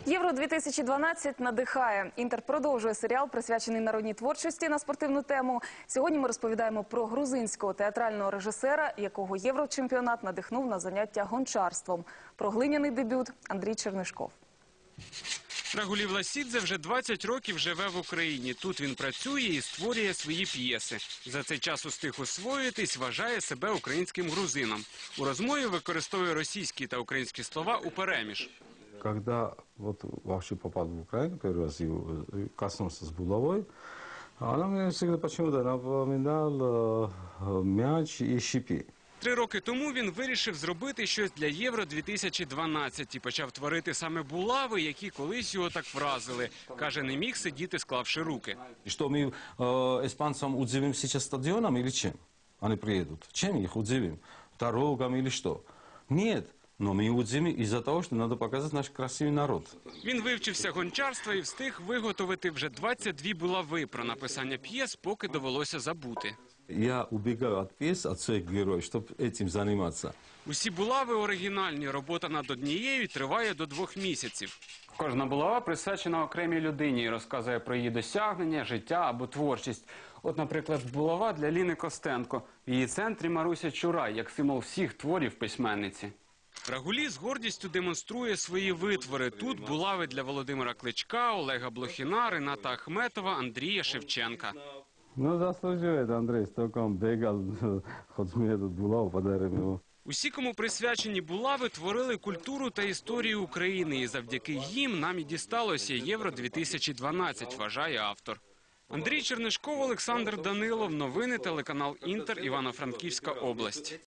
Євро-2012 надихає. Інтер продовжує серіал, присвячений народній творчості на спортивну тему. Сьогодні ми розповідаємо про грузинського театрального режисера, якого єврочемпіонат надихнув на заняття гончарством. Про глиняний дебют Андрій Чернишков. Рагулі Власідзе вже 20 років живе в Україні. Тут він працює і створює свої п'єси. За цей час устиг освоїтись, вважає себе українським грузином. У розмові використовує російські та українські слова упереміж. Когда вообще попал в Украину, первый раз коснулся с булавой, она мне всегда почему-то напоминала мяч и щипи. 3 роки тому він вирішив зробити щось для Євро-2012 і почав творити саме булави, які колись його так вразили. Каже, не міг сидіти, склавши руки. Что мы испанцам удивим сейчас стадионом или чем? Они приедут. Чем их удивим? Дорогам или что? Нет. Но мы удивим из-за того, что надо показать наш красивый народ. Він вивчився гончарства і встиг виготовити вже 22 булави. Про написання п'єс поки довелося забути. Я убегаю от пьес, от своих героев, чтобы этим заниматься. Усі булави оригінальні. Робота над однією триває до 2 місяців. Кожна булава присвячена окремій людині і розказує про її досягнення, життя або творчість. От, наприклад, булава для Ліни Костенко. В її центрі Маруся Чурай, як символ всіх творів письменниці. Рагулі з гордістю демонструє свої витвори. Тут булави для Володимира Кличка, Олега Блохіна, Рената Ахметова, Андрія Шевченка. Ну, заслуживает Андрей, столько он бегал, хоть мне тут булаву подарим его. Усі, кому присвячені булави, творили культуру та історію України. І завдяки їм нам і дісталося Євро-2012, вважає автор. Андрій Чернишков, Олександр Данилов. Новини телеканал Інтер, Івано-Франківська область.